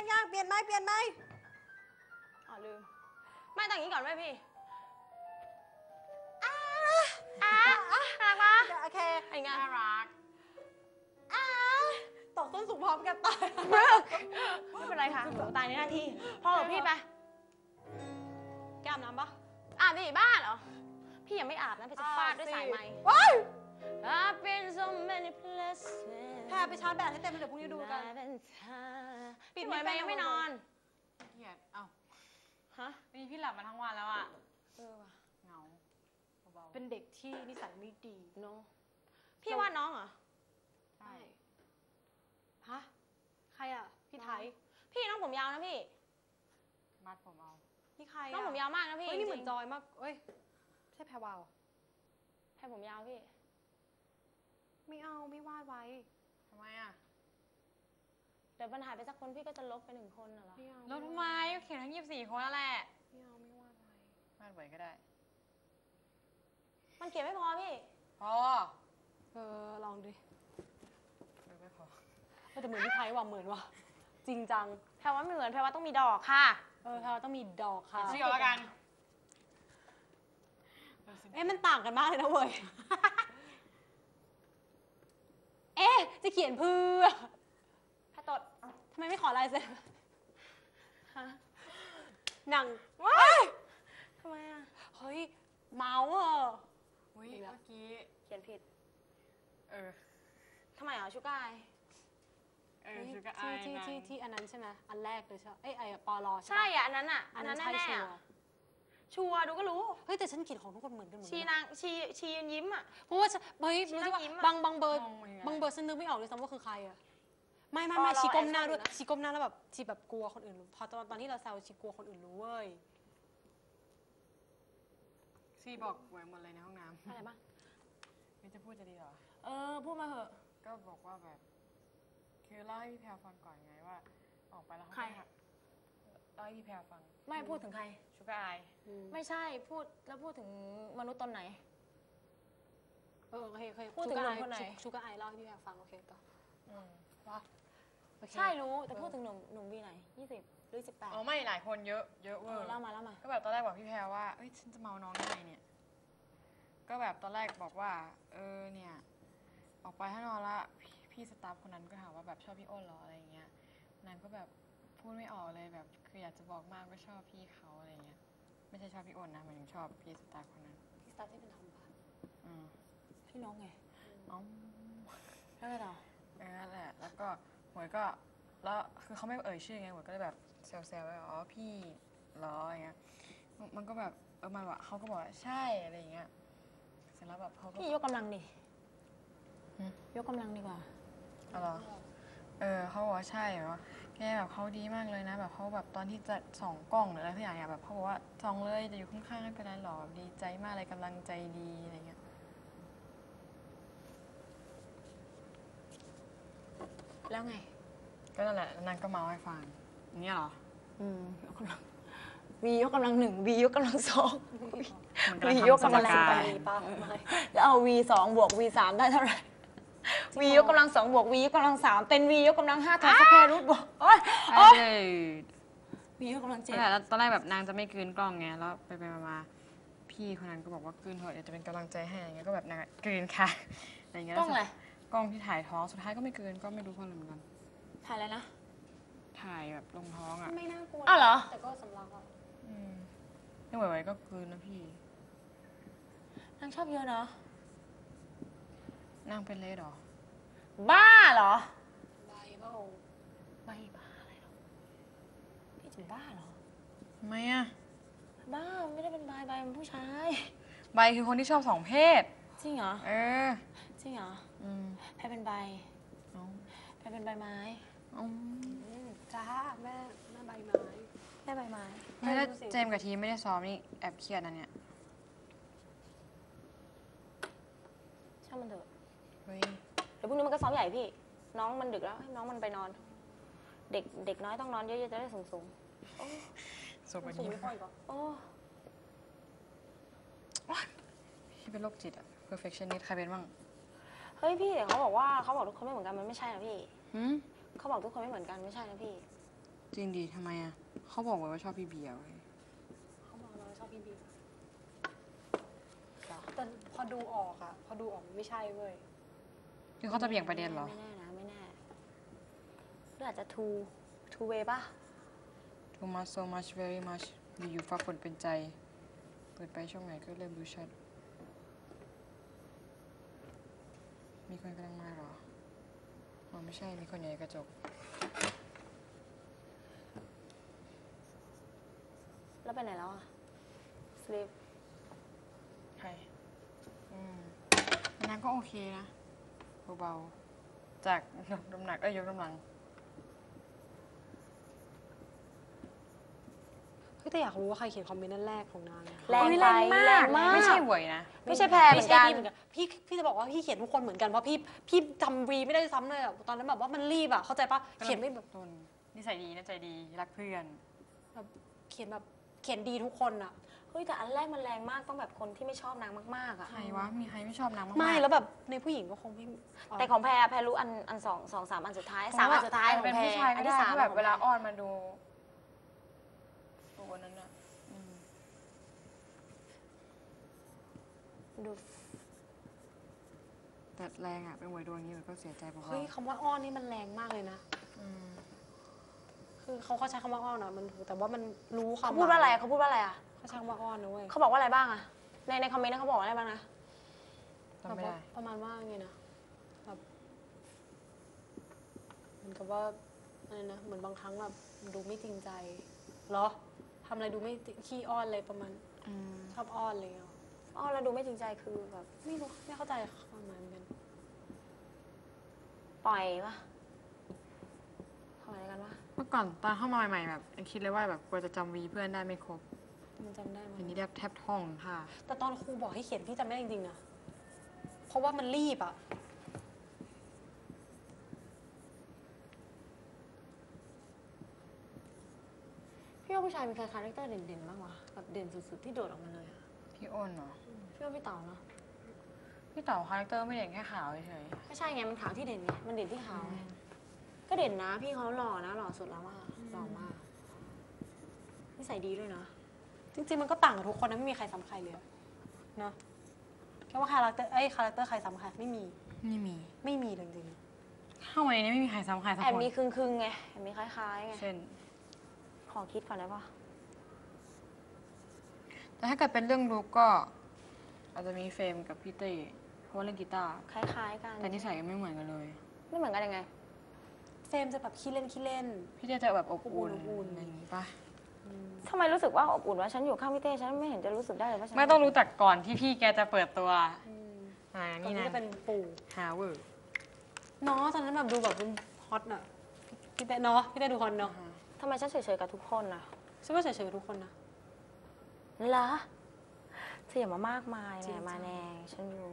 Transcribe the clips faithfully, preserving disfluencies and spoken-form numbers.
ยังเปลี่ยนไหมเปลี่ยนไหมอ๋อลืมไม่แต่งนี้ก่อนไหมพี่อ้าอ้าน่ารักปะโอเคไอ้งานน่ารักอ้าตกต้นสูงพร้อมกันตายไม่เป็นไรค่ะหนูตายในหน้าที่พ่อกับพี่ไปแก้มน้ำปะอาบดิบ้าเหรอพี่ยังไม่อาบนะพี่จะฟาดด้วยสายไหมว้าย I've been so many places แพรไปชาร์จแบตให้เต็มเดี๋ยวพรุ่งนี้ดูกันปิดไว้ไหมยังไม่นอนเกียดเอ้าฮะวันนี้พี่หลับมาทั้งวันแล้วอ่ะเออว่ะเหงาเบาเป็นเด็กที่นิสัยไม่ดีเนาะพี่ว่าน้องเหรอใช่ฮะใครอ่ะพี่ไทยพี่น้องผมยาวนะพี่มัดผมเอานี่ใครน้องผมยาวมากนะพี่เฮ้ยนี่เหมือนจอยมากเอ้ยใช่แพรวาวแพรผมยาวพี่ไม่เอาไม่วาดไว้ทำไมอ่ะเดี๋ยวมันหายไปสักคนพี่ก็จะลบไปหนึ่งคนน่ะเหรอแล้วทำไมเขียนทั้งยี่สิบสี่คนแล้วแหละไม่เอาไม่วาดไว้วาดไว้ก็ได้มันเขียนไม่พอพี่พอเออลองดิเออไม่พอแต่เหมือนพี่ไทยว่ะเหมือนว่ะจริงจังแพรว่าไม่เหมือนแพรว่าต้องมีดอกค่ะเออแพรว่าต้องมีดอกค่ะชื่อแล้วกันเอ๊ะมันต่างกันมากเลยนะเว้ยเอ๊ะจะเขียนเพื่อถ้าตดทำไมไม่ขอลายเซ็นฮะหนังว้ายทำไมอ่ะเฮ้ยเมาส์อ่ะอุ้ยเมื่อกี้เขียนผิดเออทำไมอ่ะชูกายเออชูกายที่ที่ที่ที่อันนั้นใช่ไหมอันแรกเลยใช่เอ้ยไอ้ปอลอใช่อ่ะอันนั้นอ่ะอันนั้นแน่ๆชัวร์ดูก็รู้เฮ้ยแต่ฉันเขียนของทุกคนเหมือนกันหมดชีนางชีชียืนยิ้มอ่ะเพราะว่าเฮ้ยรู้สึกว่าบางบางเบอร์บางเบอร์ฉันนึกไม่ออกเลยซ้ำว่าคือใครอ่ะไม่ไม่ไม่ชีก้มหน้าด้วยชีก้มหน้าแล้วแบบชีแบบกลัวคนอื่นรู้พอตอนตอนที่เราแซวชีกลัวคนอื่นรู้เว้ยชีบอกไว้หมดเลยในห้องน้ำอะไรบ้างไม่จะพูดจะดีเหรอเออพูดมาเหอะก็บอกว่าแบบคือเล่าให้พี่แพรฟังก่อนไงว่าออกไปแล้วใครเล่าให้พี่แพรฟังไม่พูดถึงใครชูกายไม่ใช่พูดแล้วพูดถึงมนุษย์ตนไหนเออโอเคโอเคพูดถึงหนุ่มคนไหนชูกายเล่าให้พี่แพรฟังโอเคต่อว่าใช่รู้แต่พูดถึงหนุ่มหนุ่มวีไหนยี่สิบหรือสิบแปดอ๋อไม่หลายคนเยอะเยอะเวอร์เล่ามาเล่ามาก็แบบตอนแรกบอกพี่แพรว่าเอ้ยฉันจะเมาน้องได้ไงเนี่ยก็แบบตอนแรกบอกว่าเออเนี่ยออกไปข้างนอกละพี่สตาฟคนนั้นก็ถามว่าแบบชอบพี่อ้นหรออะไรเงี้ยนางก็แบบพูดไม่ออกเลยแบบคืออยากจะบอกมากว่าชอบพี่เขาอะไรเงี้ยไม่ใช่ชอบพี่อ้นนะหมายถึงชอบพี่สตาฟคนนั้นพี่สตาฟที่เป็นทอมบ้านอืมพี่น้องไงอ๋อแล้วไงต่อเออนั่นแหละแล้วก็หมวยก็แล้วคือเขาไม่เอ่ยชื่อไงหมวยก็เลยแบบแซวๆว่าอ๋อพี่เหรออะไรเงี้ยมันก็แบบเออมันว่าเขาก็บอกใช่อะไรเงี้ยเสร็จแล้วแบบเขาก็พี่ยกกำลังดิยกกำลังดีกว่าอ๋อเออเขาบอกว่าใช่แบบว่าแกแบบเขาดีมากเลยนะแบบเขาแบบตอนที่จะส่องกล้องหรืออะไรทุกอย่างเนี่ยแบบเขาบอกว่าส่องเลยจะอยู่ข้างๆไม่เป็นไรหรอกดีใจมากเลยกำลังใจดีอะไรเงี้ยแล้วไงก็นั่นแหละนางก็เมาให้ฟังอย่างเงี้ยเหรออืมยกกำลังวียกกำลังหนึ่งวียกกำลังสองวียกกำลังสามแล้วเอาวีสองบวกวีสามได้เท่าไหร่วียกกำลังสองบวกวียกกำลังสามเป็นวียกกำลังห้าทอนสแควร์รูทบวกโอ๊ยโอ๊ยวียกกำลังเจ็ดแล้วตอนแรกแบบนางจะไม่กลืนกล้องไงแล้วไปไปมาพี่คนนั้นก็บอกว่ากลืนเถอะเดี๋ยวจะเป็นกำลังใจให้อะไรเงี้ยก็แบบนางกลืนค่ะอะไรเงี้ยกล้องอะไรกล้องที่ถ่ายท้องสุดท้ายก็ไม่กลืนก็ไม่รู้เพราะอะไรเหมือนกันถ่ายอะไรนะถ่ายแบบลงท้องอ่ะไม่น่ากลัวอ้าวเหรอแต่ก็สำลักอ่ะอืมไม่ไหวๆก็กลืนนะพี่นางชอบเยอะเนาะนางเป็นเลดหรอบ้าเหรอใบบ้าใบบ้าอะไรหรอพี่ถึงบ้าเหรอทำไมอ่ะบ้าไม่ได้เป็นใบใบเป็นผู้ชายใบคือคนที่ชอบสองเพศจริงเหรอเออจริงเหรออืมแพรเป็นใบแพรเป็นใบไม้จ้าแม่แม่ใบไม้แม่ใบไม้ไม่ได้เจมกับทีไม่ได้ซ้อมนี่แอบเครียดนะเนี่ยช่างมันเถอะเฮ้ยเดี๋ยวพรุ่งนี้มันก็ซ้อมใหญ่พี่น้องมันดึกแล้วให้น้องมันไปนอนเด็กเด็กน้อยต้องนอนเยอะๆจะได้สูงสูงสูงกว่านี้โอ้พี่เป็นโรคจิตอะ perfectionist ใครเป็นบ้างเฮ้ยพี่เดี๋ยวเขาบอกว่าเขาบอกทุกคนไม่เหมือนกันมันไม่ใช่นะพี่หืมเขาบอกทุกคนไม่เหมือนกันไม่ใช่นะพี่จริงดีทำไมอ่ะเขาบอกไว้ว่าชอบพี่เบียร์เว้ยเขาบอกเราชอบพี่บีแต่พอดูออกอะพอดูออกมันไม่ใช่เว้ยคือเขาจะเบี่ยงประเด็นเหรอไม่แน่นะไม่แน่หรืออาจจะ two two way ป่ะ too much so much very much อยู่ๆฟ้าฝนเป็นใจ เปิดไปช่องไหนก็เริ่มรู้ชัด มีคนกำลังมาเหรออ๋อไม่ใช่ มีคนอยู่ในกระจกแล้วไปไหนแล้วอ่ะ sleep ใคร อืมนางก็โอเคนะ เบาๆ จากยกน้ำหนัก เอ้ยยกน้ำหนังเฮ้ยแต่อยากรู้ว่าใครเขียนคอมเมนต์นั่นแรกของนางอะแรงเฮ้ยไปแรงมากแรงมากไม่ใช่หวยนะไม่ใช่แพรเหมืไม่อนใช่กันพี่เหมือนกันพี่พี่จะบอกว่าพี่เขียนทุกคนเหมือนกันเพราะพี่พี่จำวีไม่ได้ซ้ำเลยอะตอนนั้นแบบว่ามันรีบอะเข้าใจปะเขียนไม่แบบต้นนิสัยดีนะใจดี รักเพื่อนแบบเขียนแบบเขียนดีทุกคนอะเฮ้ยแต่อันแรกมันแรงมากต้องแบบคนที่ไม่ชอบนางมากๆอ่ะใครวะ มีใครไม่ชอบนางมากๆไม่แล้วแบบในผู้หญิงก็คงไม่แต่ของแพรแพรรู้อันอันสองสองสามอันสุดท้ายสามอันสุดท้ายของเป็นแพรผู้ชายอัก็นได้ที่สามที่แบบของเวลาแพรอ้อนมาดูตัวนั้นอะอืมดูแต่แรงอะเป็นหวยดวงอย่างนี้มันก็เสียใจเบาเฮ้ยคำว่าอ้อนนี่มันแรงมากเลยนะๆอืมคือเขาเขาใช้คำว่าอ้อนอะมันแต่ว่ามันรู้คำเขาพูดว่าอะไรอะเขาพูดว่าอะไรอ่ะเขาใช้คำว่าอ้อนนะเว้ยเขาบอกว่าอะไรบ้างอ่ะในในคอมเมนต์นั้นเขาบอกว่าอะไรบ้างนะจำไม่ได้ประมาณว่าไงนะแบบเหมือนกับว่าอะไรนะเหมือนบางครั้งแบบดูไม่จริงใจเหรอทำอะไรดูไม่ขี้อ้อนเลยประมาณอืมชอบอ้อนอะไรอย่างเงี้ยอ๋อเราดูไม่จริงใจคือแบบไม่รู้ไม่เข้าใจความหมายเหมือนกันปล่อยปะทำอะไรกันวะเมื่อก่อนตอนเข้ามาใหม่ๆแบบยังคิดเลยว่าแบบกลัวจะจำวีเพื่อนได้ไม่ครบมันจำได้ไหมอันนี้แทบแทบท่องค่ะแต่ตอนครูบอกให้เขียนพี่จำไม่ได้จริงๆนะเพราะว่ามันรีบอะพี่ว่าผู้ชายมีใครคาแรคเตอร์เด่นๆบ้างวะแบบเด่นสุดๆที่โดดออกมาเลยอะพี่อ้นเหรอพี่ว่าพี่เต๋าเนาะพี่เต๋าคาแรคเตอร์ไม่เด่นแค่ขาวเฉยไม่ใช่ไงมันขาวที่เด่นไงมันเด่นที่ขาวไงก็เด่นนะพี่เขาหล่อนะหล่อสุดแล้วว่าหล่อมากนิสัยดีด้วยนะจริงๆมันก็ต่างกับทุกคนนะไม่มีใครซ้ำใครเลยอะเนาะแค่ว่าคาแรคเตอร์ไอ้ยคาแรคเตอร์ใครซ้ำใครไม่มีๆไม่มีไม่มีเลยจริงเข้ามาในนี้ไม่มีใครซ้ำใครสักแอบคนมีครึ่งๆไงแอบมีคล้ายๆไงเช่นขอคิดก่อนได้ปะแต่ถ้าเกิดเป็นเรื่องลุกก็อาจจะมีเฟรมกับพี่เต้เพราะว่าเล่นกีตาร์คล้ายๆกันแต่นิสัยไม่เหมือนกันเลยไม่เหมือนกันยังไงๆเฟรมจะแบบขี้เล่นขี้เล่นพี่เต้จะแบบอบอุ่นอบอุ่นอะไรอย่างนี้ปะทำไมรู้สึกว่าอบอุ่นว่าฉันอยู่ข้างพี่เต้ฉันไม่เห็นจะรู้สึกได้เลยว่าฉันไม่ต้องรู้จักก่อนที่พี่แกจะเปิดตัวอืมอ่าก่อนนี่ที่นะจะเป็นปู่ฮาเวอร์เนาะตอนนั้นแบบดูแบบเป็นฮอตน่ะพี่เต้เนาะพี่เต้ดูฮอตเนาะทำไมฉันเฉยๆกับทุกคนน่ะฉันก็เฉยๆกับทุกคนนะเหรอเธออย่ามามากมายจริแหงมๆมาแนงฉันรู้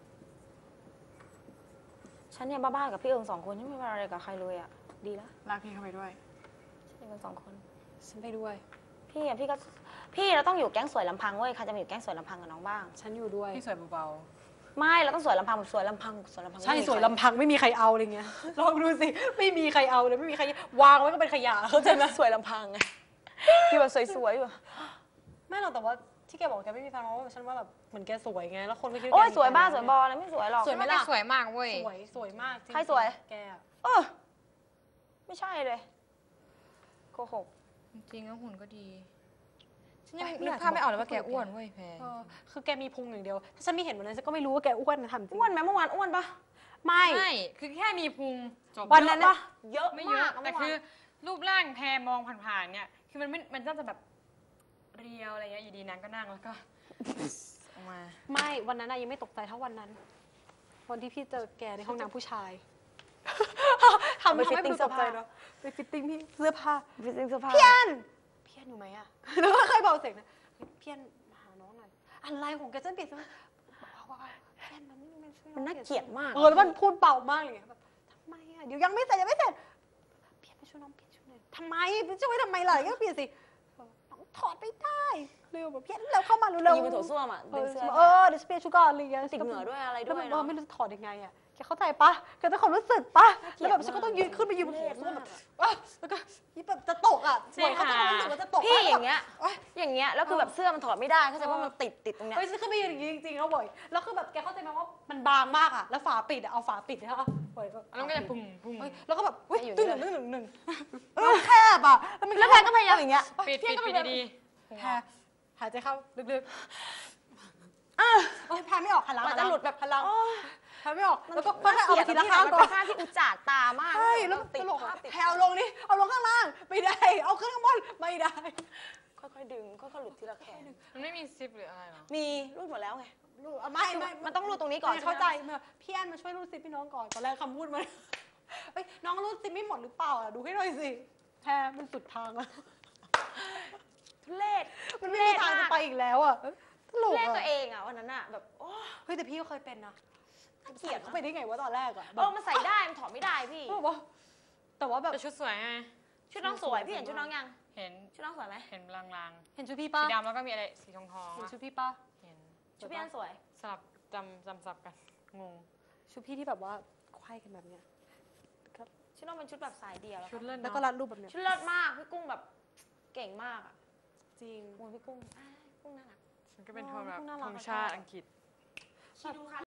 ฉันเนี่ยบ้าๆกับพี่เอิงสองคนฉันไม่เป็นอะไรกับใครเลยอ่ะ ดีแล้วลากพี่เข้าไปด้วยฉันอยู่กันสองคนฉันไปด้วยพี่อ่ะพี่ก็พี่เราต้องอยู่แก๊งสวยลำพังเว้ยใครจะมาอยู่แก๊งสวยลำพังกับน้องบ้างฉันอยู่ด้วยพี่สวยเบาไม่เราต้องสวยลำพังแบบสวยลำพังสวยลำพังใช่ไม่มีสวยใครลำพังไม่มีใครเอาอะไรเงี้ย ลองดูสิไม่มีใครเอาเลยไม่มีใครวางไว้ก็เป็นขยะเข้าใจไหมสวยลำพังไงอยู่แบบสวยๆอยู่ไม่หรอกแต่ว่าที่แกบอกแกไม่มีแฟนเพราะว่าฉันว่าแบบเหมือนแกสวยไงแล้วคนก็คิดโอ้ยแกมีสวยบ้าแฟนสวยบอแล้วไม่สวยหรอกสวยไหมๆล่ะสวยมากเว้ยสวยสวยมากจงๆใครสวยแกอะเออไม่ใช่เลยโกหกจริงๆแล้วหุ่นก็ดี ฉันยังนึกภาพไม่ออกเลยว่าแกอ้วนเว้ยแพรเออคือแกมีพุงอย่างเดียวถ้าฉันไม่เห็นวันนั้นฉันก็ไม่รู้ว่าแกอ้วนนะทำจริงอ้วนไหมเมื่อวานอ้วนปะไม่ไม่ คือแค่มีพุงจบวันนั้นเยอะน่ะปะเยอะไม่เยมาอะกแต่เมื่อวานคือรูปร่างแพรมองผ่านๆเนี่ย คือมันไม่ มันน่าจะแบบเรียวอะไรเงี้ย อยู่ดีนางก็นั่งแล้วก็ ออกมาไม่วันนั้นน่ะยังไม่ตกใจเท่าวันนั้น วันที่พี่เจอแกในห้องน้ำผู้ชายทำไปทำให้ fitting ดูตกใจเสื้อผ้าเนาะไปฟิตติ้งพี่เสื้อผ้าฟิตติ้งเสื้อผ้าเพี้ยนเพี้ยนอยู่ไหมอะ แล้วก็เคยบอกเสียงนะเพี้ยนมาหาน้องหน่อยอะไรของแกฉันเปลี่ยนเสื้อผ้าเบาๆเพี้ยนมันไม่มันช่วยมันน่าเกลียดมากเออแล้วมันพูดเบามากเลยไงแบบทำไมอะเดี๋ยวยังไม่เสร็จยังไม่เสร็จเพี้ยนไปช่วยน้องเปลี่ยนชุดหน่อยทำไมไปช่วยทำไมล่ะก็เปลี่ยนสิน้องถอดไม่ได้เร็วแบบเพี้ยนเร็วเข้ามาเร็วยิงไปโถส้วมอ่ะเอดึงอเสื้อเออเดี๋ยวฉันเปลี่ยนชุดก่อนอะไรอย่างเงี้ยติดเหงื่อด้วยอะไรแล้วด้วมัยนเอเนาะอไม่รู้จะถอดยังไงอะแกเข้าใจปะแกต้องความรู้สึกปะแล้วแบบฉันก็ต้องยืนขึ้นไปยืนบนโถส้วมแบบ อ่ะแล้วก็ยี่แบบจะตกสิเขาจะค่ะรู้สึกว่าจะตกพี่อย่างเงี้ยโอ๊ยอย่างเงี้ยแล้วคือแบบเสื้อมันถอดไม่ได้เข้าใจเออว่ามันติดติดตรงเนี้ยเฮ้ยฉันขึ้นไปยืนอย่างนี้จริงๆแล้วบ่อยแล้วคือแบบแกเข้าใจไหมว่ามันบางมากอะแล้วฝาปิดอะเอาฝาปิดนะคะบ่อยก็แล้วมันก็จะปุ่มปุ่มเฮ้ยแล้วก็แบบเฮ้ยอยู่ตึ้งนี่หเลยนึ่งหนึ่งหนึ่งหนึ่งแล้วแคบอะแล้วมันแล้วแพนก็พยายามอย่างเงี้ยปิดปิดปิดดีแพรหายใจเข้าลึกๆโอ๊ยแพรไม่ออกหันหลังกว่าจะหลุดแบบหันหลังโอ๊ยแพรไม่ออกแล้วก็มันค่อยๆเอาไปทีละข้างมันก่อเป็น นภาพที่อุจจาดตามากใช่แล้วติตดลกภาอะพติดแพรเอาลงนี่เอาลงข้างล่างไม่ได้ เอาขึ้นข้างบนไม่ได้ค่อยๆดึงค่อยๆหลุดทีละแขนๆมันไม่มีซิปหรืออะไรหรอมีรูดหมดแล้วไงรูดอ่ะไม่ไม่มันต้องรูดตรงนี้ก่อนไม่ใช่ไหมเข้าใจเมื่อพี่แอนมาช่วยรูดซิปพี่น้องก่อนตอนแรกคำพูดมัน เฮ้ยน้องรูดซิปไม่หมดหรือเปล่าอ่ะดูให้หน่อยสิแพรมันสุดทางแล้วทุเรศมันไม่มีทางจะไปอีกแล้วอ่ะเอ้ยตลทุกเรศอ่ะตัวเองอ่ะวันนั้นอ่ะแบบโอ้เฮ้ยแต่พี่ก็เคยเป็นนะน่าเกเกลีลียยดดเข้านะไปได้ไงวะตอนแรกอ่ะเออมันใส่ได้มันถอดไม่ได้พี่แบบว่าแต่ว่าแบบแต่ชุดสวยไงชุดน้องสวยพี่เห็นชุดน้องยังเห็นชุดน้องสวยไหมเห็นลางเห็นชุดพี่ๆป้าสีดำแล้วก็มีอะไรสีทองทองเห็นอะชุดพี่ป้าเห็นชุดพี่อันสวยสลับจำจำสับกันงงชุดพี่ที่แบบว่าควายกันแบบเนี้ยชุดน้องเป็นชุดแบบสายเดียวชุดแล้วเล่นแล้วก็เนาะรัดรูปแบบเนี้ยชุดเลิศมากพี่กุ้งแบบเก่งมากอ่ะจริงโอ้ยพี่กุ้งอ้ายกุ้งน่ารักฉันก็เป็นโทนแบบอ๋อน่ารักธงชาติอังกฤษชีดูค่ะ